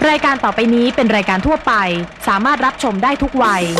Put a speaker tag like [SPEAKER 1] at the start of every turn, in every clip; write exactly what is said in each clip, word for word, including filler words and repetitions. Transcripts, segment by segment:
[SPEAKER 1] รายการต่อไปนี้เป็นรายการทั่วไปสามารถรับชมได้ทุกวัย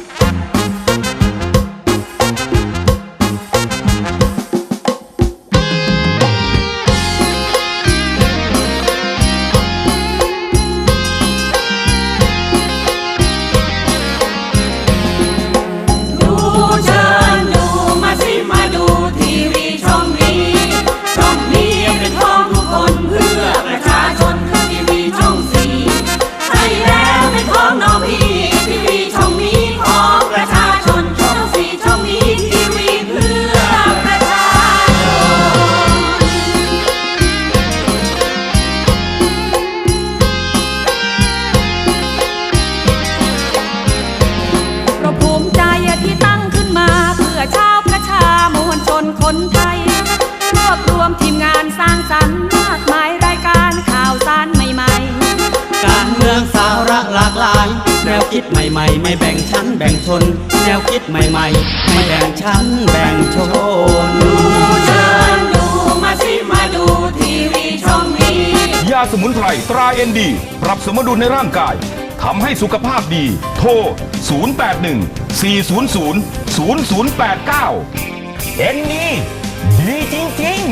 [SPEAKER 2] คนไทยรวบรวมทีมงานสร้างสรรค์มากมายรายการข่าวสารใหม่ๆ
[SPEAKER 3] การเมืองสาระหลากหลายแนวคิดใหม่ๆไม่แบ่งชั้นแบ่งชนแนวคิดใหม่ๆไม่แบ่งชั้นแบ่งชน
[SPEAKER 2] ดูเชิญดูมาสิมาดูทีวีช่องนี้
[SPEAKER 4] ยาสมุนไพรตราเอ็นดีปรับสมดุลในร่างกายทำให้สุขภาพดีโทรศูนย์ แปด หนึ่ง สี่ ศูนย์ ศูนย์ ศูนย์ ศูนย์ แปด เก้าเอ็นนี่ดีจริง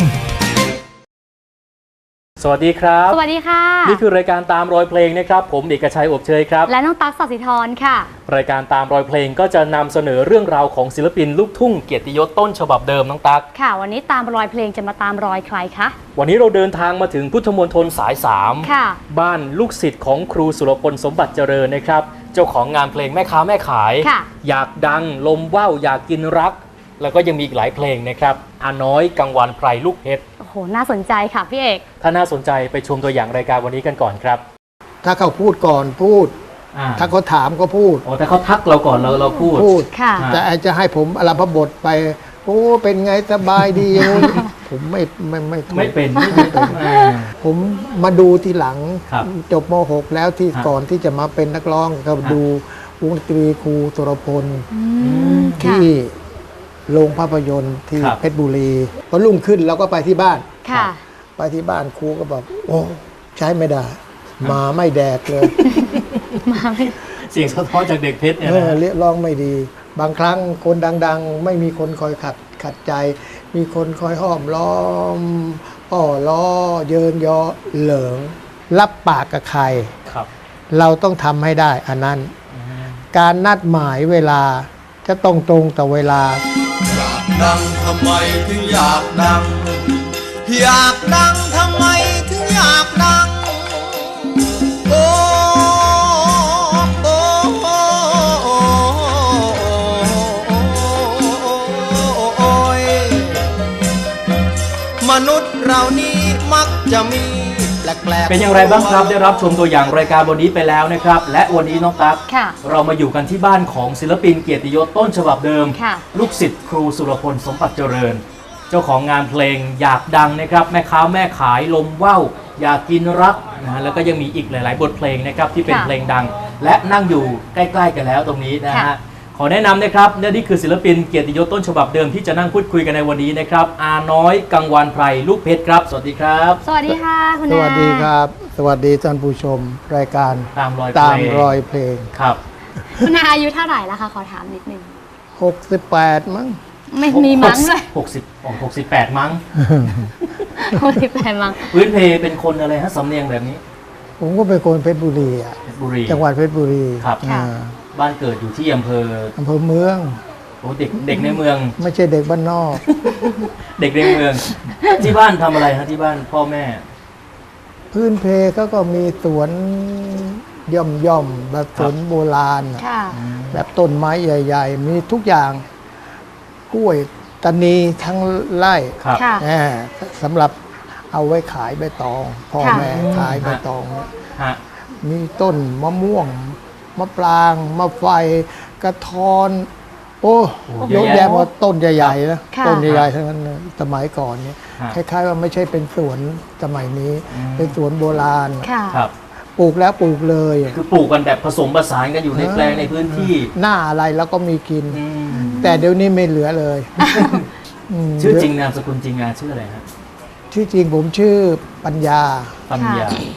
[SPEAKER 4] ๆ
[SPEAKER 5] สวัสดีครับ
[SPEAKER 6] สวัสดีค่ะ
[SPEAKER 5] นี่คือรายการตามรอยเพลงนะครับผมเอกชัยอบเชยครับ
[SPEAKER 6] และน้องตั๊กสัสิธรค่ะ
[SPEAKER 5] รายการตามรอยเพลงก็จะนำเสนอเรื่องราวของศิลปินลูกทุ่งเกียรติยศต้นฉบับเดิมน้องตั๊ก
[SPEAKER 6] ค่ะวันนี้ตามรอยเพลงจะมาตามรอยใครคะ
[SPEAKER 5] วันนี้เราเดินทางมาถึงพุทธมณฑลสายสาม
[SPEAKER 6] ค่ะ
[SPEAKER 5] บ้านลูกศิษย์ของครูสุรพลสมบัติเจริญนะครับเจ้าของงานเพลงแม่ค้าแม่ขายอยากดังลมว่าวอยากกินรักแล้วก็ยังมีอีกหลายเพลงนะครับอาน้อยกังวานไพรลูกเพชร
[SPEAKER 6] โอ้โหน่าสนใจค่ะพี่เอก
[SPEAKER 5] ถ้าน่าสนใจไปชมตัวอย่างรายการวันนี้กันก่อนครับ
[SPEAKER 7] ถ้าเขาพูดก่อนพูดถ้าเขาถามก็พูด
[SPEAKER 5] อ๋อแต่เขาทักเราก่อนเราเราพูด
[SPEAKER 7] พูดค่ะแต่จะให้ผมอารมพบทไปโอ้เป็นไงสบายดีผมไม่ไม่ไม่
[SPEAKER 5] ไม่เป็น
[SPEAKER 7] ผมมาดูทีหลังจบม หกแล้วที่ก่อนที่จะมาเป็นนักร้องก็ดูวงดนตรีครูสุรพลที่โรงภาพยนตร์ที่เพชรบุรีพอรุ่งขึ้นเราก็ไปที่บ้านไปที่บ้านครูก็บอกโอ้ใช้ไม่ได้มาไม่แดกเลย
[SPEAKER 6] มาไม่
[SPEAKER 5] เสียงสะท้อนจากเด็กเพชรเนี่ย
[SPEAKER 7] นะเรียกร้องไม่ดีบางครั้งคนดังๆไม่มีคนคอยขัดขัดใจมีคนคอยห้อมล้อมอ้อล้อเยินยอเหลิงรับปากกับใครเราต้องทำให้ได้อันนั้นการนัดหมายเวลาจะตรงตรงต่อเวลา
[SPEAKER 3] อยากดังทำไมถึงอยากดังอยากดังทำไมถึงอยากดังโอ้โอ้โอ้โอ้ยมนุษย์เรานี้มักจะมี
[SPEAKER 5] เป็นอย่างไรบ้างครับได้รับชมตัวอย่างรายการวันนี้ไปแล้วนะครับและวันนี้น้องตั๊กเรามาอยู่กันที่บ้านของศิลปินเกียรติยศต้นฉบับเดิมลูกศิษย์ครูสุรพลสมบัติเจริญเจ้าของงานเพลงอยากดังนะครับแม่ค้าแม่ขายลมว่าวอยากกินรักนะแล้วก็ยังมีอีกหลายๆบทเพลงนะครับที่เป็นเพลงดังและนั่งอยู่ใกล้ๆกันแล้วตรงนี้นะฮะขอแนะนำนะครับนี่คือศิลปินเกียรติยศต้นฉบับเดิมที่จะนั่งพูดคุยกันในวันนี้นะครับอาน้อยกังวานไพรลูกเพชรครับสวัสดีครับ
[SPEAKER 6] สวัสดีค่ะคุณ
[SPEAKER 7] นาสวัสดีครับสวัสดีท่านผู้ชมรายการ
[SPEAKER 5] ตามรอย
[SPEAKER 7] ตามรอยเพลง
[SPEAKER 5] ครับ
[SPEAKER 6] คุณนาอายุเท่าไหร่แล้วคะขอถามนิดนึง
[SPEAKER 7] หกสิบแปดมั้ง
[SPEAKER 6] ไม่มีมั้งเลย
[SPEAKER 5] หกสิบหกสิบแปดมั้ง
[SPEAKER 6] หกสิบแปดมั้ง
[SPEAKER 5] พื้นเพเป็นคนอะไรฮะสำเนียงแบบนี้
[SPEAKER 7] ผมก็เป็นคนเพชรบุรีอ่ะจังหวัดเพชรบุรี
[SPEAKER 5] ครับบ้านเกิดอยู่ที่อำเภอ
[SPEAKER 7] อำเภอเมือง
[SPEAKER 5] โอ้เด็กเด็กในเมือง
[SPEAKER 7] ไม่ใช่เด็กบ้านนอก
[SPEAKER 5] เด็กในเมืองที่บ้านทำอะไรฮะที่บ้านพ่อแม่
[SPEAKER 7] พื้นเพเขาก็มีสวนย่อมย่อมแบบสวนโบราณแบบต้นไม้ใหญ่ๆมีทุกอย่างกล้วยตานีทั้งไร่สำหรับเอาไว้ขายใบตองพ่อแม่ขายใบตองมีต้นมะม่วงมะปรางมะไฟกระท้อนโอ้ยกแยะมาต้นใหญ่ๆนะต้นใหญ่ๆทั้งนั้นสมัยก่อนเนี่ยคล้ายๆว่าไม่ใช่เป็นสวนสมัยนี้เป็นสวนโบราณปลูกแล้วปลูกเลย
[SPEAKER 5] คือปลูกกันแบบผสมผสานกันอยู่ในแปลงในพื้นที่
[SPEAKER 7] หน้าอะไรแล้วก็มีกินแต่เดี๋ยวนี้ไม่เหลือเลย
[SPEAKER 5] ชื่อจริงนามสกุลจริงงานชื่ออะไรครับ
[SPEAKER 7] ชื่อจริงผมชื่อปัญญา
[SPEAKER 5] ปัญญา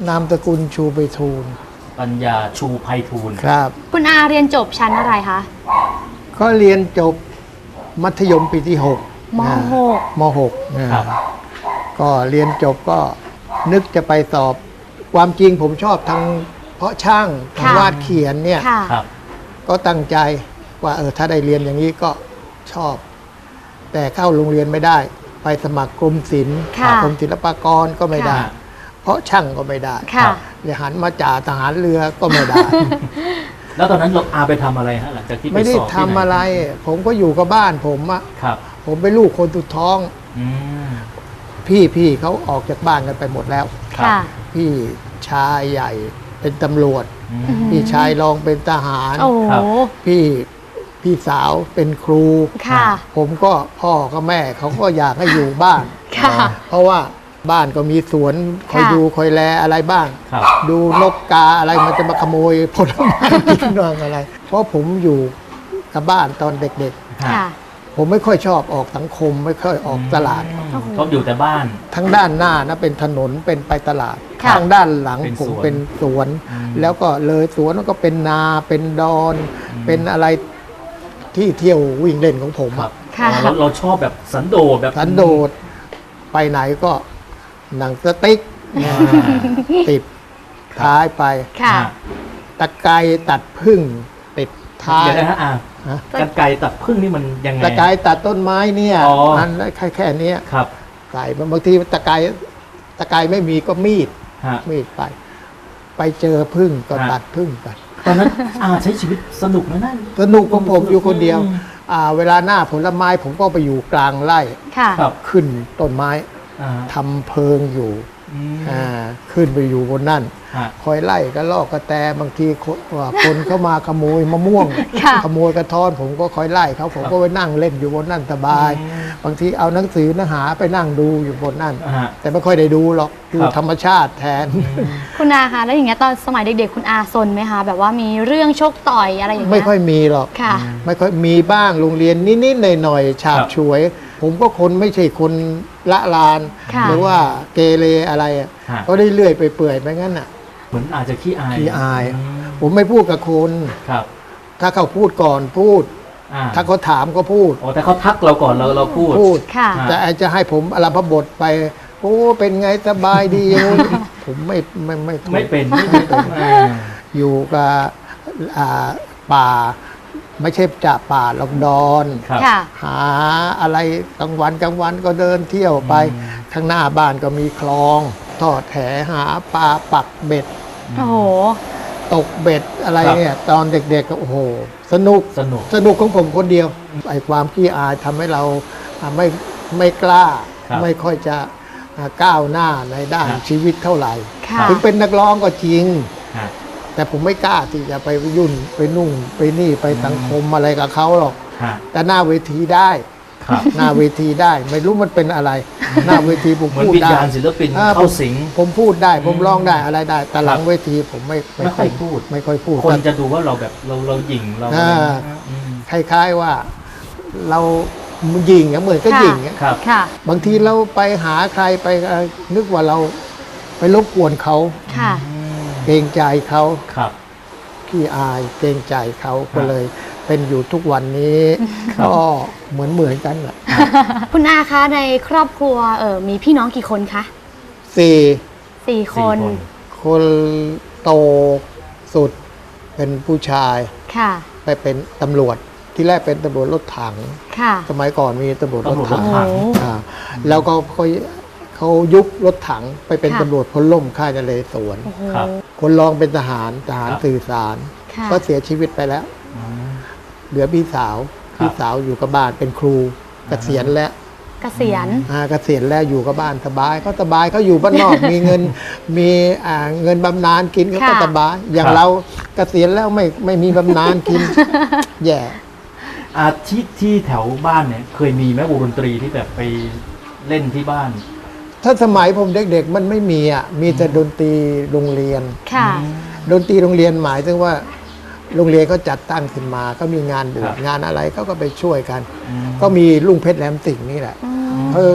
[SPEAKER 7] นามสกุลชูไปทูล
[SPEAKER 5] ปัญญาชูไพฑูรย์
[SPEAKER 7] ครับ
[SPEAKER 6] คุณอาเรียนจบชั้นอะไรคะ
[SPEAKER 7] ก็เรียนจบมัธยมปีที่หก
[SPEAKER 6] ม
[SPEAKER 7] นะ
[SPEAKER 6] หก
[SPEAKER 7] มหกนะครับ ก็เรียนจบก็นึกจะไปสอบ ความจริงผมชอบทางเพาะช่างทาง
[SPEAKER 6] ค่ะ
[SPEAKER 7] วาดเขียนเนี่ย
[SPEAKER 6] ค่ะ
[SPEAKER 5] ครับ
[SPEAKER 7] ก็ตั้งใจว่าเออถ้าได้เรียนอย่างนี้ก็ชอบ แต่เข้าโรงเรียนไม่ได้ ไปสมัครกรมศิลป์
[SPEAKER 6] ค่ะ
[SPEAKER 7] กรมศิลปากรก็ไม่ได้
[SPEAKER 5] ค่ะ
[SPEAKER 7] เพราะช่างก็ไม่ได้
[SPEAKER 6] ค่ะ
[SPEAKER 7] เลยหันมาจ่าทหารเรือก็ไม่ได้
[SPEAKER 5] แล้วตอนนั้นเราอาไปทำอะไรฮะหลังจากที่ไป
[SPEAKER 7] ไม่ได้
[SPEAKER 5] สอบ
[SPEAKER 7] ทำอะไร ผมก็อยู่กับบ้านผมอะ
[SPEAKER 5] ครับ
[SPEAKER 7] ผมเป็นลูกคนสุดท้อง
[SPEAKER 5] อืม
[SPEAKER 7] พี่พี่เขาออกจากบ้านกันไปหมดแล้ว
[SPEAKER 5] ครับ
[SPEAKER 6] ค่ะ
[SPEAKER 7] พี่ชายใหญ่เป็นตำรวจ
[SPEAKER 5] อืม
[SPEAKER 7] พี่ชายรองเป็นทหาร
[SPEAKER 6] โอ้โห
[SPEAKER 5] ครับ
[SPEAKER 7] พี่พี่สาวเป็นครู
[SPEAKER 6] ค่ะ
[SPEAKER 7] ผมก็พ่อกับแม่เขาก็อยากให้อยู่บ้าน
[SPEAKER 6] ค่ะ
[SPEAKER 7] เพราะว่าบ้านก็มีสวนคอย
[SPEAKER 6] ค่ะ
[SPEAKER 7] ดูคอยแลอะไรบ้าง
[SPEAKER 5] ครับ
[SPEAKER 7] ดูนกกาอะไรมันจะมาขโมยผลไม้กินบ้างอะไร เพราะผมอยู่กับบ้านตอนเด็ก
[SPEAKER 6] ค่ะ
[SPEAKER 7] ๆ ผมไม่ค่อยชอบออกสังคม ไม่ค่อยออกตลาด
[SPEAKER 5] อืมก็อยู่แต่บ้าน
[SPEAKER 7] ทั้งด้านหน้านะเป็นถนนเป็นไปตลาด
[SPEAKER 6] ค่ะ
[SPEAKER 7] ทางด้านหลัง
[SPEAKER 5] เป็น
[SPEAKER 7] ผม
[SPEAKER 5] สวน
[SPEAKER 7] เป็นสวน
[SPEAKER 5] อืม
[SPEAKER 7] แล้วก็เลยสวนก็เป็นนาเป็นดอน เป็นอะไรที่เที่ยววิ่งเล่นของผม
[SPEAKER 5] ครั
[SPEAKER 7] อะ
[SPEAKER 5] บ
[SPEAKER 6] ค่ะ
[SPEAKER 5] อ๋อเราเราชอบแบบสันโดษแบบ
[SPEAKER 7] สันโดษไปไหนก็หนังสติ๊ก
[SPEAKER 5] อ่า
[SPEAKER 7] ติดท้ายไป
[SPEAKER 6] ค่ะ
[SPEAKER 7] ตะไคร้ตัดพึ่งติดท้าย
[SPEAKER 5] เดี๋ยวนะฮะอ่า
[SPEAKER 7] ฮะ
[SPEAKER 5] กันไกรตัดพึ่งนี่มันยังไง
[SPEAKER 7] ตะไคร้ตัดต้นไม้เนี่ย
[SPEAKER 5] อ๋อ
[SPEAKER 7] อันแค่แค่เนี้ย
[SPEAKER 5] ครับ
[SPEAKER 7] ไก่บางทีตะไคร้ตะไคร้ไม่มีก็มีด
[SPEAKER 5] ฮะ
[SPEAKER 7] มีดไป ไปเจอพึ่งก็
[SPEAKER 5] ฮะ
[SPEAKER 7] ตัดพึ่งกัน
[SPEAKER 5] ตอนนั้นอาใช้ชีวิตสนุกไหมนั่น
[SPEAKER 7] สนุกของผมอยู่คนเดียว
[SPEAKER 5] อืม
[SPEAKER 7] อ่าเวลาหน้าผลไม้ผมก็ไปอยู่กลางไร่
[SPEAKER 6] ค่ะ
[SPEAKER 5] ครับ
[SPEAKER 7] ขึ้นต้นไม้
[SPEAKER 5] อ่า
[SPEAKER 7] ทำเพิงอยู่
[SPEAKER 5] อืม
[SPEAKER 7] อ่าขึ้นไปอยู่บนนั่น
[SPEAKER 5] ฮะ
[SPEAKER 7] คอยไล่กระลอกกระแตบางทีคนว่าคนเข้ามาขโมยมะม่วง
[SPEAKER 6] ค่ะ
[SPEAKER 7] ขโมยกระท้อน ผมก็คอยไล่เขาผมก็ไปนั่งเล่นอยู่บนนั่นสบาย
[SPEAKER 5] อืม
[SPEAKER 7] บางทีเอาหนังสือเนื้อหาไปนั่งดูอยู่บนนั่น
[SPEAKER 5] อ่าฮะ
[SPEAKER 7] แต่ไม่ค่อยได้ดูหรอกดู
[SPEAKER 5] ครับ
[SPEAKER 7] ธรรมชาติแทน
[SPEAKER 6] คุณอาคะแล้วอย่างเงี้ยตอนสมัยเด็กๆ คุณอาซนไหมคะ แบบว่ามีเรื่องชกต่อยอะไรอย่างเงี้ย
[SPEAKER 7] ไม่ค่อยมีหรอก
[SPEAKER 6] ค่ะ
[SPEAKER 7] ไม่ค่อยมีบ้างโรงเรียนนิดๆหน่อยๆฉาบ
[SPEAKER 5] ครับ
[SPEAKER 7] ฉวย ผมก็คนไม่ใช่คนละลาน
[SPEAKER 6] ค่ะ
[SPEAKER 7] หรือว่าเกเรอะไรอะ
[SPEAKER 5] ฮะ
[SPEAKER 7] ก็ได้เลื่อยไปเปื่อยไปงั้นอ่ะ
[SPEAKER 5] เหมือนอาจจะขี้อาย
[SPEAKER 7] ขี้อาย
[SPEAKER 5] ม
[SPEAKER 7] ผมไม่พูดกับคน
[SPEAKER 5] ครับ
[SPEAKER 7] ถ้าเขาพูดก่อนพูด
[SPEAKER 5] อ่า
[SPEAKER 7] ถ้าเขาถามก็พูด
[SPEAKER 5] อ๋อแต่เขาทักเราก่อนเราเราพูด
[SPEAKER 7] พูด
[SPEAKER 6] ค่ะ
[SPEAKER 5] อ่า
[SPEAKER 7] แต่ไอ้จะให้ผมอารมพบทไป โอ้เป็นไงสบายดี ผมไม่ไม่ไม่ถูก
[SPEAKER 5] ไม่เป็นไม่เป็นอ่า
[SPEAKER 7] อยู่กับอ่าป่า ไม่ใช่จะป่าหรอกดอน
[SPEAKER 5] ครับ
[SPEAKER 6] ค่ะ
[SPEAKER 7] หาอะไรกลางวันกลางวันก็เดินเที่ยวไป
[SPEAKER 5] อืม
[SPEAKER 7] ข้างหน้าบ้านก็มีคลองทอดแหหาปลาปักเบ็ด
[SPEAKER 6] โอ้โห
[SPEAKER 7] ตกเบ็ดอะไร
[SPEAKER 5] ครับ
[SPEAKER 7] เนี่ยตอนเด็กๆก็โอ้โห สนุก
[SPEAKER 5] สนุก
[SPEAKER 7] สนุกของผมคนเดียวไอ้ความขี้อายทำให้เราอ่าไม่ไม่กล้า
[SPEAKER 5] ครับ
[SPEAKER 7] ไม่ค่อยจะอ่าก้าวหน้าในด้าน
[SPEAKER 5] ครับ
[SPEAKER 7] ชีวิตเท่าไหร่
[SPEAKER 6] ค่ะ
[SPEAKER 7] ถึงเป็นนักร้องก็จริง
[SPEAKER 5] ฮะ
[SPEAKER 7] แต่ผมไม่กล้าที่จะไปยุ่นไปนุ่งไปนี่ไปสังคมอะไรกับเขาหรอก
[SPEAKER 5] ฮะ
[SPEAKER 7] แต่หน้าเวทีได้
[SPEAKER 5] ครับ
[SPEAKER 7] หน้าเวทีได้ ไม่รู้มันเป็นอะไร หน้าเวทีผม
[SPEAKER 5] เหมือน
[SPEAKER 7] พูด
[SPEAKER 5] วิญ
[SPEAKER 7] ได้
[SPEAKER 5] ญาณศิลปิน
[SPEAKER 7] อ่
[SPEAKER 5] เข้าสิง
[SPEAKER 7] ผมพูดได้ ผมร้องได้อะไรได้ แต่หลัง
[SPEAKER 5] ครับ
[SPEAKER 7] เวทีผมไม่
[SPEAKER 5] ไม่ค่อยพูด
[SPEAKER 7] ไม่ค่อยพูด
[SPEAKER 5] คนจะดูว่าเราแบบเราเราหยิ่งเราอะไร
[SPEAKER 7] อ่า
[SPEAKER 5] อืม
[SPEAKER 7] คล้ายๆว่าเรายิงอะเหมือนก็
[SPEAKER 6] ค่ะ
[SPEAKER 7] ยิงอะ
[SPEAKER 5] ครับ
[SPEAKER 6] ค่ะ
[SPEAKER 7] บางทีเราไปหาใครไปเอ่อนึกว่าเราไปรบกวนเขา
[SPEAKER 6] ค่ะ
[SPEAKER 7] เกรงใจเขา
[SPEAKER 5] ครับ
[SPEAKER 7] ขี้อายเกรงใจเขา
[SPEAKER 5] ครั
[SPEAKER 7] ก็
[SPEAKER 5] บ
[SPEAKER 7] เลยเป็นอยู่ทุกวันนี้
[SPEAKER 5] ครับ
[SPEAKER 7] ก็เหมือนเหมือนกันแหละ
[SPEAKER 6] คุณอาคะในครอบครัวเออมีพี่น้องกี่คนคะ
[SPEAKER 7] สี่
[SPEAKER 6] สี่ค
[SPEAKER 5] สี่
[SPEAKER 6] น
[SPEAKER 5] คน
[SPEAKER 7] คนโตสุดเป็นผู้ชาย
[SPEAKER 6] ค่ะ
[SPEAKER 7] ไปเป็นตำรวจที่แรกเป็นตำรวจรถถัง
[SPEAKER 6] ค่ะ
[SPEAKER 7] สมัยก่อนมีตำรวจรถถัง
[SPEAKER 5] ตำรวจรถถัง
[SPEAKER 6] โอ้
[SPEAKER 7] อ่าแล้วก็เขาเขายุบรถถังไปเป็น
[SPEAKER 6] ค่ะ
[SPEAKER 7] ตำรวจพลล่มค่ายนเรศวร
[SPEAKER 6] โอ้โห
[SPEAKER 5] ครับ
[SPEAKER 7] คนรองเป็นทหารทหาร
[SPEAKER 5] ครับ
[SPEAKER 7] สื่อสาร
[SPEAKER 6] ค่ะ
[SPEAKER 7] ก็เสียชีวิตไปแล้ว
[SPEAKER 5] อืม
[SPEAKER 7] เหลือพี่สาว
[SPEAKER 5] ครับ
[SPEAKER 7] พี่สาวอยู่กับบ้านเป็นครูเกษียณแล้ว
[SPEAKER 6] เกษียณ
[SPEAKER 7] อ่าเกษียณแล้วอยู่กับบ้านสบายเขาสบายเขาอยู่บ้านนอก มีเงินมีอ่าเงินบำนาญกินเขาก็
[SPEAKER 6] ค่ะ
[SPEAKER 7] สบายอย่าง
[SPEAKER 5] ครับ
[SPEAKER 7] เราเกษียณแล้วไม่ไม่มีบำนาญกิน แย่
[SPEAKER 5] อาที่ที่แถวบ้านเนี่ยเคยมีไหมวงดนตรีที่แบบไปเล่นที่บ้าน
[SPEAKER 7] ถ้าสมัยผมเด็กๆมันไม่มีอ่ะมีแต่ดนตรีโรงเรียน
[SPEAKER 6] ค่ะ
[SPEAKER 7] ดนตรีโรงเรียนหมายถึงว่าโรงเรียนเขาจัดตั้งขึ้นมาก็มีงานบว
[SPEAKER 5] ครั
[SPEAKER 7] ช
[SPEAKER 5] บ
[SPEAKER 7] งานอะไรเขาก็ไปช่วยกัน
[SPEAKER 5] อืม
[SPEAKER 7] ก็มีลุงเพชรแหลมสิงห์นี่แหละ
[SPEAKER 6] อืม
[SPEAKER 7] เออ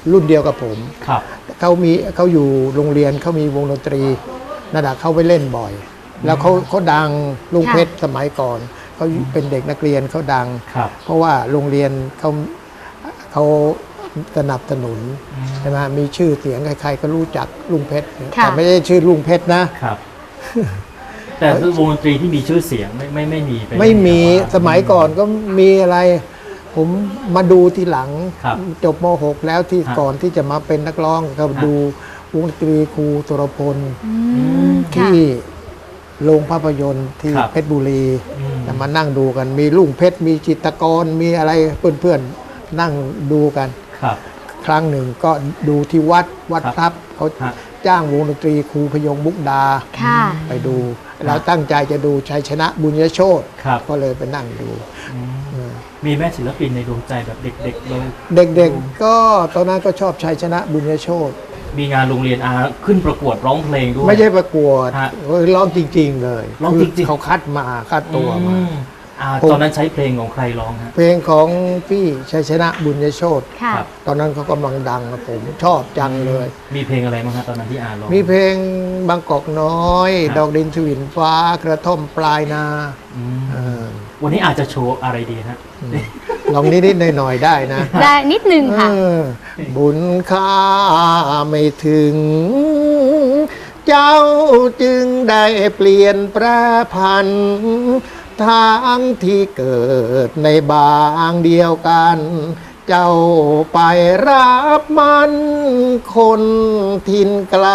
[SPEAKER 7] รุ่นเดียวกับผม
[SPEAKER 5] ครับ
[SPEAKER 7] เขามีเขาอยู่โรงเรียนเขามีวงดนตรีนั่นแหะเขาไปเล่นบ่อย แล้วเขาเขาดังลุงเพชรสมัยก่อนเขาเป็นเด็กนักเรียนเขาดัง
[SPEAKER 5] ครับ
[SPEAKER 7] เพราะว่าโรงเรียนเขาเขาสนับสนุนใช่ไหมมีชื่อเสียงใครๆก็รู้จักลุงเพชร
[SPEAKER 6] ค่ะ
[SPEAKER 7] แต่ไม่ได้ชื่อลุงเพชรนะ
[SPEAKER 5] ครับ แต่วงดนตรีที่มีชื่อเสียงไม่ไม่ไม่มีป
[SPEAKER 7] ไม่มี
[SPEAKER 5] แต่ว่า
[SPEAKER 7] สมัยก่อนก็มีอะไร ผมมาดูทีหลัง
[SPEAKER 5] ครับ
[SPEAKER 7] จบม หก แล้วที่
[SPEAKER 5] ฮะ
[SPEAKER 7] ก่อนที่จะมาเป็นนักร้องก็
[SPEAKER 5] ฮะ
[SPEAKER 7] ดูวงดนตรีครูสุรพล
[SPEAKER 6] อืมค่ะ
[SPEAKER 7] ที่โรงภาพยนตร์ที่
[SPEAKER 5] ครับ
[SPEAKER 7] เพชรบุรี
[SPEAKER 5] อืม
[SPEAKER 7] แต่มานั่งดูกัน มีลุงเพชรมีจิตรกรมีอะไรเพื่อนๆนั่งดูกัน
[SPEAKER 5] ครับ
[SPEAKER 7] ครั้งหนึ่งก็ดูที่วัดวัด
[SPEAKER 5] ครับ
[SPEAKER 7] พลับเขา
[SPEAKER 5] ฮะ
[SPEAKER 7] จ้างวงดนตรีครูพยงมุกดา
[SPEAKER 6] ค่ะ
[SPEAKER 7] ไปดูเราตั้งใจจะดูชัยชนะบุญยโชต
[SPEAKER 5] ครับ
[SPEAKER 7] ก็เลยไปนั่งดู
[SPEAKER 5] มีแม่ศิลปินในดวงใจแบบเด็กๆเลย
[SPEAKER 7] เด็กๆก็ตอนนั้นก็ชอบชัยชนะบุญยโชต
[SPEAKER 5] มีงานโรงเรียนอาขึ้นประกวดร้องเพลงด้วย
[SPEAKER 7] ไม่ใช่ประกวด
[SPEAKER 5] ฮะ
[SPEAKER 7] เฮ้ยร้องจริง ๆ เลย
[SPEAKER 5] ร้องจริงๆ
[SPEAKER 7] คือเขาคัดมาคัดตัวมา
[SPEAKER 5] อืมอ่า
[SPEAKER 7] ผม
[SPEAKER 5] ตอนนั้นใช้เพลงของใครร้องฮะ
[SPEAKER 7] เพลงของพี่ชัยชนะบุญยโชต
[SPEAKER 6] ค่ะ
[SPEAKER 5] ครับ
[SPEAKER 7] ตอนนั้นเขากำลังดังนะผมชอบจังเลย
[SPEAKER 5] มีเพลงอะไรบ้างฮะตอนนั้นที่อาร้อง
[SPEAKER 7] มีเพลงบางกอกน้อย
[SPEAKER 5] ครับ
[SPEAKER 7] ดอกดินสวินฟ้ากระท่อมปลายนา
[SPEAKER 5] อืม
[SPEAKER 7] เออ
[SPEAKER 5] วันนี้อาจจะโชว์อะไรดีฮะ
[SPEAKER 7] ลองนิดๆหน่อยๆได้นะ
[SPEAKER 6] ได้นิดนึงค่ะ
[SPEAKER 7] เออบุญค่าไม่ถึง เจ้าจึงได้เปลี่ยนแปรพันทางที่เกิดในบางเดียวกัน เจ้าไปรับมันคนทินไกล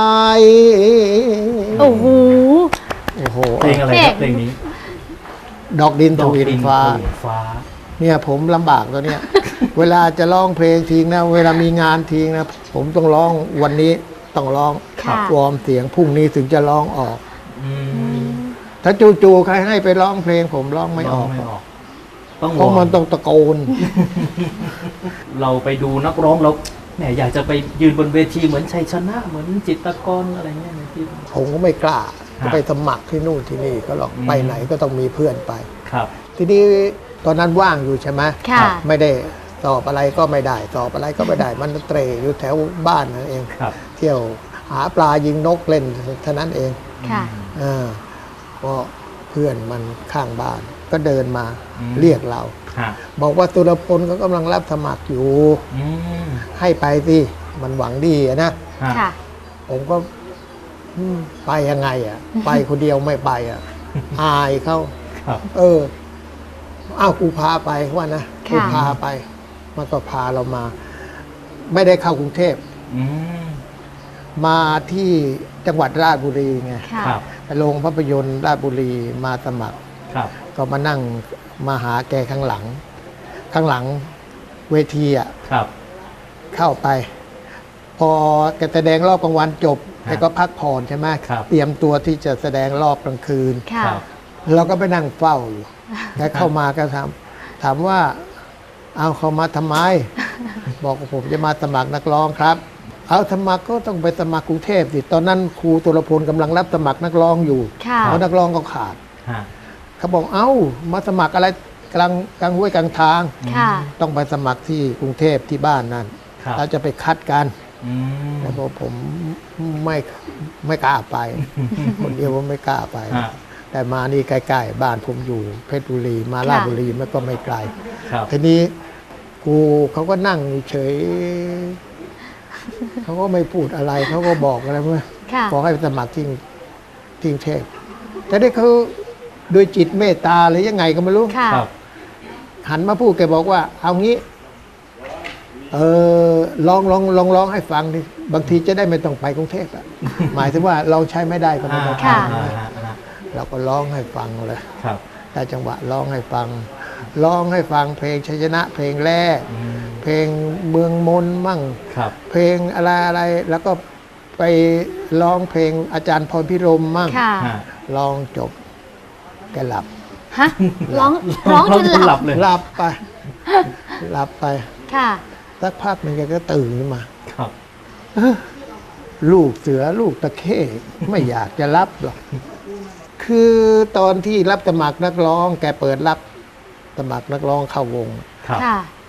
[SPEAKER 6] โอ้โห
[SPEAKER 7] โอ้โห
[SPEAKER 5] เพลงอะไรครับเพลงนี้
[SPEAKER 7] ดอกดินทวินฟ้า
[SPEAKER 5] ดอกดินทวินฟ้า
[SPEAKER 7] เนี่ยผมลำบากตัวเนี้ย เวลาจะร้องเพลงทิ้งนะ เวลามีงานทิ้งนะ ผมต้องร้องวันนี้ต้องร้อง
[SPEAKER 6] ค่ะ
[SPEAKER 7] วอร์มเสียงพรุ่งนี้ถึงจะร้องออก
[SPEAKER 5] อืม
[SPEAKER 7] ถ้าจู่ๆใครให้ไปร้องเพลงผมร้องไม่อ
[SPEAKER 5] ร้อ
[SPEAKER 7] อง ก
[SPEAKER 5] ไม่ออก ต้อง
[SPEAKER 7] เพราะมัน
[SPEAKER 5] ว
[SPEAKER 7] ต้องตะโกน
[SPEAKER 5] เราไปดูนักร้องแล้วแหมอยากจะไปยืนบนเวทีเหมือนชัยชนะเหมือนจิตรกรอะไรเงี้ยนะพี่
[SPEAKER 7] ผมก็ไม่กล้า
[SPEAKER 5] ฮะ
[SPEAKER 7] ก็ไปสมัครที่นู่นที่นี่ก็หรอก
[SPEAKER 5] อืม
[SPEAKER 7] ไปไหนก็ต้องมีเพื่อนไป
[SPEAKER 5] ครับ
[SPEAKER 7] ทีนี้ตอนนั้นว่างอยู่ใช่ไหม
[SPEAKER 6] ค่ะ
[SPEAKER 7] ไม่ได้สอบอะไรก็ไม่ได้สอบอะไรก็ไม่ได้ มันเตร่อยู่แถวบ้านนั่นเอง
[SPEAKER 5] ครับ
[SPEAKER 7] เที่ยวหาปลายิงนกเล่นเท่านั้นเอง
[SPEAKER 6] ค่ะ
[SPEAKER 7] อ่าก็เพื่อนมันข้างบ้าน ก็เดินมา
[SPEAKER 5] อืม
[SPEAKER 7] เรียกเรา
[SPEAKER 5] ฮะ
[SPEAKER 7] บอกว่าตุลพลเขากำลังรับสมัครอยู่
[SPEAKER 5] อืม
[SPEAKER 7] ให้ไปสิมันหวังดีอะนะ
[SPEAKER 5] ฮะ
[SPEAKER 6] ค่ะ
[SPEAKER 7] ผมก็อืมไปยังไงอ่ะ ไปคนเดียวไม่ไปอ่ะ อายเขา
[SPEAKER 5] ครับ
[SPEAKER 7] เอออ้าวกูพาไปว่านะกู
[SPEAKER 6] ค่ะ
[SPEAKER 7] พาไป มันก็พาเรามา ไม่ได้เข้ากรุงเทพ
[SPEAKER 5] อืม
[SPEAKER 7] มาที่จังหวัดราชบุรีไง
[SPEAKER 6] ค่ะ
[SPEAKER 5] ครับ
[SPEAKER 7] โรงภาพยนตร์ราชบุรีมาสมัคร
[SPEAKER 5] ครับ
[SPEAKER 7] ก็มานั่งมาหาแกข้างหลัง ข้างหลังเวทีอ่ะ
[SPEAKER 5] ครับ
[SPEAKER 7] เข้าไป พอแกแสดงรอบกลางวันจบ
[SPEAKER 5] ครับ
[SPEAKER 7] แกก็พักผ่อนใช่ไหม
[SPEAKER 5] ครับ
[SPEAKER 7] เตรียมตัวที่จะแสดงรอบกลางคืน
[SPEAKER 6] ค่ะ
[SPEAKER 5] ครับ
[SPEAKER 7] เราก็ไปนั่งเฝ้าอยู่ แกเข้ามาก็ถามถามว่า เอาเขามาทำไม บอกว่าผมจะมาสมัครนักร้องครับ เอาสมัครก็ต้องไปสมัครกรุงเทพสิตอนนั้นครูตุลพลกำลังรับสมัครนักร้องอยู่
[SPEAKER 6] ค่ะ
[SPEAKER 7] เพราะนักร้องก็ขาด
[SPEAKER 5] ฮะ
[SPEAKER 7] เขาบอกเอ้ามาสมัครอะไรกลางกลางห้วยกลางทาง
[SPEAKER 6] ค่ะ
[SPEAKER 7] ต้องไปสมัครที่กรุงเทพที่บ้านนั่น
[SPEAKER 5] ครับ
[SPEAKER 7] เราจะไปคัดกัน
[SPEAKER 5] อืม
[SPEAKER 7] แต่บอกผมไม่ไม่กล้าไป คนเดียวผมไม่กล้าไป
[SPEAKER 5] ฮะ
[SPEAKER 7] แต่มานี่ใกล้ๆบ้านผมอยู่เพชรบุรีมาราชบุรีมันก็ไม่ไกล
[SPEAKER 5] ครับ
[SPEAKER 7] ทีนี้กูเขาก็นั่งเฉยเขาก็ไม่พูดอะไรเขาก็บอกอะไรเมื่อ
[SPEAKER 6] ค่ะ
[SPEAKER 7] ขอให้ไปสมัครที่ที่กรุงเทพแต่ได้เขาโดยจิตเมตตาหรือยังไงก็ไม่รู้
[SPEAKER 6] ค่ะ
[SPEAKER 5] ครับ
[SPEAKER 7] หันมาพูดแกบอกว่า เอางี้ เออลองลองลองร้องให้ฟังดิบางทีจะได้ไม่ต้องไปกรุงเทพอะ หมายถึงว่าเราใช้ไม่ได้ก็ไม่ต้องไป
[SPEAKER 6] ค่ะ
[SPEAKER 5] อ่าฮะฮะ
[SPEAKER 7] เราก็ร้องให้ฟังเลย
[SPEAKER 5] ครับ
[SPEAKER 7] แต่จังหวะร้องให้ฟังร้องให้ฟังเพลงชัยชนะ เพลงแรก
[SPEAKER 5] อืม
[SPEAKER 7] เพลงเมืองมนมั่ง
[SPEAKER 5] ครับ
[SPEAKER 7] เพลงอะไรอะไรแล้วก็ไปร้องเพลงอาจารย์พรพิรมมั่ง
[SPEAKER 6] ค่ะ
[SPEAKER 5] ฮะ
[SPEAKER 7] ร้องจบแกหลับ
[SPEAKER 6] ฮะ ร้อง ร้องจนหลับ
[SPEAKER 5] เลย
[SPEAKER 7] หลับไป หลับไป
[SPEAKER 6] ค่ะ
[SPEAKER 7] สักพักหนึ่งแกก็ตื่นขึ้นมา
[SPEAKER 5] ครับ
[SPEAKER 7] ลูกเสือลูกตะเข้ไม่อยากจะรับหรอก คือตอนที่รับสมัครนักร้อง แกเปิดรับสมัครนักร้องเข้าวง
[SPEAKER 5] ครับ
[SPEAKER 6] ค่ะ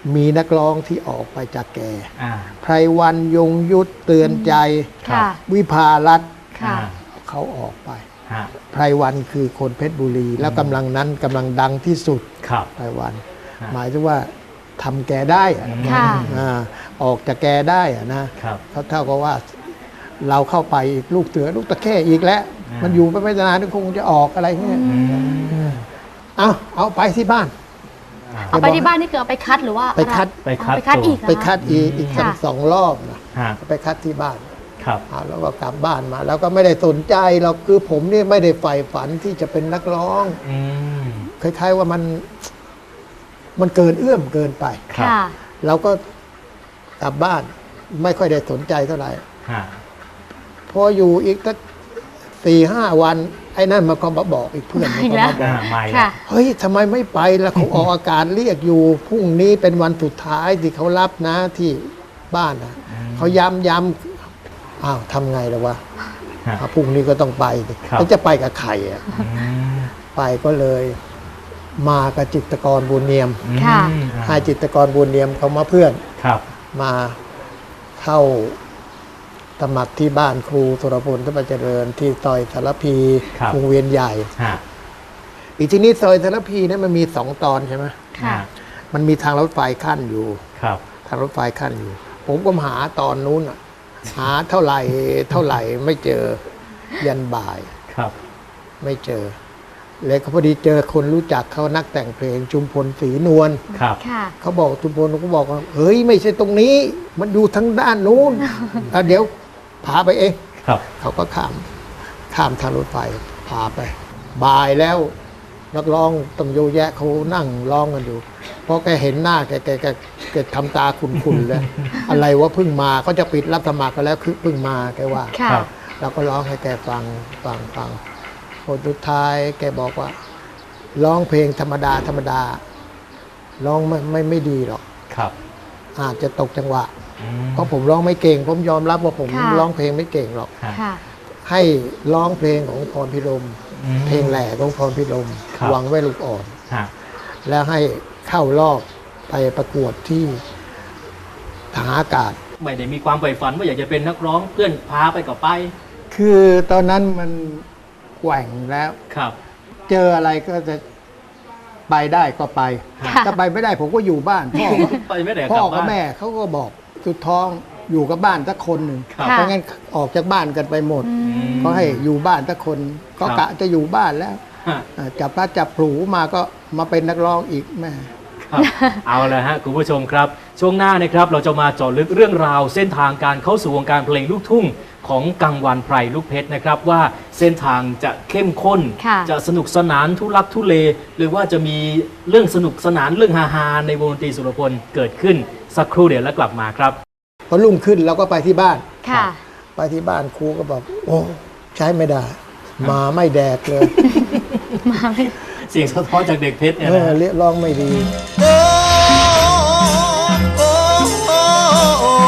[SPEAKER 7] มีนักร้องที่ออกไปจากแก
[SPEAKER 5] อ่า
[SPEAKER 7] ไพรวันยงยุทธเตือนใจ
[SPEAKER 6] ค่ะ
[SPEAKER 7] วิภารัตน์
[SPEAKER 6] ค่ะ
[SPEAKER 7] เขาออกไป
[SPEAKER 5] ฮะ
[SPEAKER 7] ไพรวันคือคนเพชรบุรี แล้วกำลังนั้นกำลังดังที่สุด
[SPEAKER 5] ครับ
[SPEAKER 7] ไพรวัน
[SPEAKER 5] ฮะ
[SPEAKER 7] หมายถึงว่าทำแกได้อะ
[SPEAKER 6] ค่ะ
[SPEAKER 7] อ่าออกจากแกได้อะนะครับ เขาเท่ากับว่าเราเข้าไปอีกลูกเสือลูกตะเข้อีกแล้ว
[SPEAKER 5] อ่ามั
[SPEAKER 7] มันอยู่ไปไม่นานก็คงจะออกอะไรเงี้ย
[SPEAKER 5] อืม
[SPEAKER 7] เอาเอาไปที่บ้าน
[SPEAKER 6] เอาไปที่บ้านนี่คือเอาไปคัดหรือว่า
[SPEAKER 7] ไปคัด
[SPEAKER 5] ไปคัด
[SPEAKER 6] เอาไปคัด
[SPEAKER 5] ตัว
[SPEAKER 6] อีกเหรอ
[SPEAKER 7] ไปคัดอีกอีก
[SPEAKER 6] ค่ะ
[SPEAKER 7] สองรอบนะ
[SPEAKER 5] ฮะ
[SPEAKER 7] ไปคัดที่บ้าน
[SPEAKER 5] ครับ
[SPEAKER 7] อ่าแล้วก็กลับบ้านมา แล้วก็ไม่ได้สนใจเราคือผมนี่ไม่ได้ใฝ่ฝันที่จะเป็นนักร้อง
[SPEAKER 5] อืม
[SPEAKER 7] คล้ายๆว่ามันมันเกินเอื้อมเกินไป
[SPEAKER 5] ครับ
[SPEAKER 6] ค่ะ
[SPEAKER 7] เราก็กลับบ้านไม่ค่อยได้สนใจเท่าไหร่
[SPEAKER 5] ฮะ
[SPEAKER 7] พออยู่อีกสักสี่ห้าวันไอ้นั่นมาก็มาบอกอีกเพื่อนมัน
[SPEAKER 6] อีก
[SPEAKER 7] ก็
[SPEAKER 6] แล้ว
[SPEAKER 7] มาบอ
[SPEAKER 5] อ่าก ไม่
[SPEAKER 6] ค่ะ
[SPEAKER 7] เฮ้ยทำไมไม่ไปล่ะเขาออกอากาศเรียกอยู่พรุ่งนี้เป็นวันสุดท้ายที่เขารับนะที่บ้านนะเขาย้ำย้ำอ้าวทำไงล่ะวะ
[SPEAKER 5] ฮะ
[SPEAKER 7] อ่ะพรุ่งนี้ก็ต้องไปสิ
[SPEAKER 5] ครับ
[SPEAKER 7] แล้วจะไปกับใครอ่ะ
[SPEAKER 5] อืม
[SPEAKER 7] ไปก็เลยมากับจิตรกรบุญเนียม
[SPEAKER 6] ค่ะ
[SPEAKER 5] อืม
[SPEAKER 7] ให้จิตรกรบุญเนียมเขามาเพื่อน
[SPEAKER 5] ครับ
[SPEAKER 7] มาเข้าสมัครที่บ้านครูสุรพลทพเจริญที่ซอยสารพี
[SPEAKER 5] ครับ
[SPEAKER 7] วงเวียนใหญ่
[SPEAKER 5] ฮะ
[SPEAKER 7] อีกทีนี้ซอยสารพีเนี่ยมันมีสองตอนใช่ไหม
[SPEAKER 6] ค่ะ
[SPEAKER 7] มันมีทางรถไฟขั้นอยู่
[SPEAKER 5] ครับ
[SPEAKER 7] ทางรถไฟขั้นอยู่ ผมก็หาตอนนู้นอะหาเท่าไหร่เท่าไหร่ไม่เจอยันบ่าย
[SPEAKER 5] ครับ
[SPEAKER 7] ไม่เจอเลยก็พอดีเจอคนรู้จักเขานักแต่งเพลงชุมพลศรีนวล
[SPEAKER 5] ครับ
[SPEAKER 6] ค่ะ
[SPEAKER 7] เขาบอกชุมพลเขาบอกว่าเฮ้ยไม่ใช่ตรงนี้ มันอยู่ทางด้านนู้นอ่ะเดี๋ยวพาไปเอง
[SPEAKER 5] ครับ
[SPEAKER 7] เขาก็ข้ามข้ามทางรถไฟพาไปบ่ายแล้ว นักร้องต้องโยแยะเขานั่งร้องกันอยู่เพราะแกเห็นหน้าแกแกแกแกทำตาขุนๆแล้ว อะไรว่าเพิ่งมาเขาจะปิดรับสมัครกันแล้วคือเพิ่งมาแกว่า
[SPEAKER 6] ค่ะ
[SPEAKER 5] ครับ
[SPEAKER 7] เราก็ร้องให้แกฟังฟังฟังผลสุดท้ายแกบอกว่า ร้องเพลงธรรมดาธรรมดาร้องไม่ไม่ไม่ดีหรอก
[SPEAKER 5] ครับ
[SPEAKER 7] อาจจะตกจังหวะ
[SPEAKER 5] อืม
[SPEAKER 7] เพราะผมร้องไม่เก่ง ผมยอมรับว่าผม
[SPEAKER 6] ค่ะ
[SPEAKER 7] ร้องเพลงไม่เก่งหรอก
[SPEAKER 5] ฮะ
[SPEAKER 6] ค่ะ
[SPEAKER 7] ให้ร้องเพลงของพรพิรม
[SPEAKER 5] อืม
[SPEAKER 7] เพลงแหล่ของพรพิรม
[SPEAKER 5] ครับ
[SPEAKER 7] หวังไว้ลูกอ่อน
[SPEAKER 5] ฮะ
[SPEAKER 7] แล้วให้เข้ารอบไปประกวดที่ทหารอากาศ
[SPEAKER 5] ไม่ได้มีความใฝ่ฝันว่าอยากจะเป็นนักร้องเพื่อนพาไปก็ไป
[SPEAKER 7] คือตอนนั้นมันแกว่งแล้ว
[SPEAKER 5] ครับ
[SPEAKER 7] เจออะไรก็จะไปได้ก็ไป
[SPEAKER 6] ค่ะ
[SPEAKER 7] ถ้าไปไม่ได้ผมก็อยู่บ้าน พ่อ
[SPEAKER 5] ไปไม่ได้
[SPEAKER 7] พ่อก
[SPEAKER 5] ลั
[SPEAKER 7] กับ
[SPEAKER 5] บ้าน
[SPEAKER 7] แม่เขาก็บอกสุดท้องอยู่กับบ้านสักคนหนึ่ง
[SPEAKER 5] ครับ
[SPEAKER 7] เพราะงั้นออกจากบ้านกันไปหมด
[SPEAKER 5] ม
[SPEAKER 7] ก็ให้อยู่บ้านสักคน ก็
[SPEAKER 5] ครับ
[SPEAKER 7] กะจะอยู่บ้านแล้ว
[SPEAKER 5] ฮะ
[SPEAKER 7] อ่าจับพลัดจับผลูมาก็มาเป็นนักร้องอีกแม่
[SPEAKER 5] ครับ เอาละฮะคุณผู้ชมครับ ช่วงหน้านะครับเราจะมาเจาะลึกเรื่องราวเส้นทางการเข้าสู่วงการเพลงลูกทุ่งของกังวันไพรลูกเพชรนะครับว่าเส้นทางจะเข้มข้น
[SPEAKER 6] ค่ะ
[SPEAKER 5] จะสนุกสนานทุลักทุเล หรือว่าจะมีเรื่องสนุกสนานเรื่องฮาๆในวงดนตรีสุรพลเกิดขึ้นสักครู่เดียวแล้วกลับมาครับ
[SPEAKER 7] พอรุ่งขึ้นเราก็ไปที่บ้าน
[SPEAKER 6] ค่ะ
[SPEAKER 7] ไปที่บ้านครูก็บอก โอ้ใช้ไม่ได้ มาไม่แดกเลย
[SPEAKER 6] มาไม่
[SPEAKER 5] เสียงสะท้อนจากเด็กเพชรเนี่ย
[SPEAKER 7] เอ
[SPEAKER 5] นะ
[SPEAKER 7] อ
[SPEAKER 5] ฮะ
[SPEAKER 7] เรียกร้องไม่ดี
[SPEAKER 3] โอ้โอ้โอ้โอ้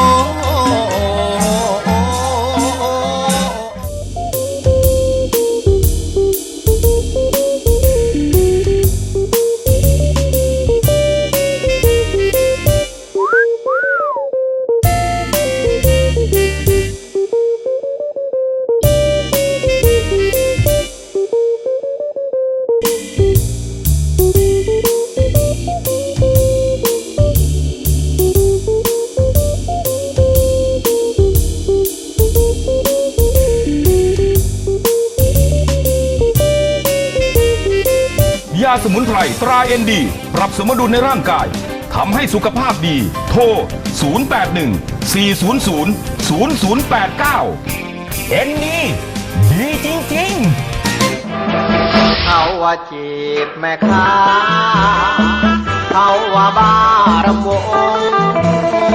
[SPEAKER 3] โอ้
[SPEAKER 4] ยาสมุนไพรตราเอ็นดี ปรับสมดุลในร่างกาย ทำให้สุขภาพดี โทร ศูนย์ แปด หนึ่ง สี่ ศูนย์ ศูนย์ ศูนย์ ศูนย์ แปด เก้า เอ็นนี่ดีจริงๆ
[SPEAKER 3] เขาว่าจีบแม่ค้าเขาว่าบ้ารำวง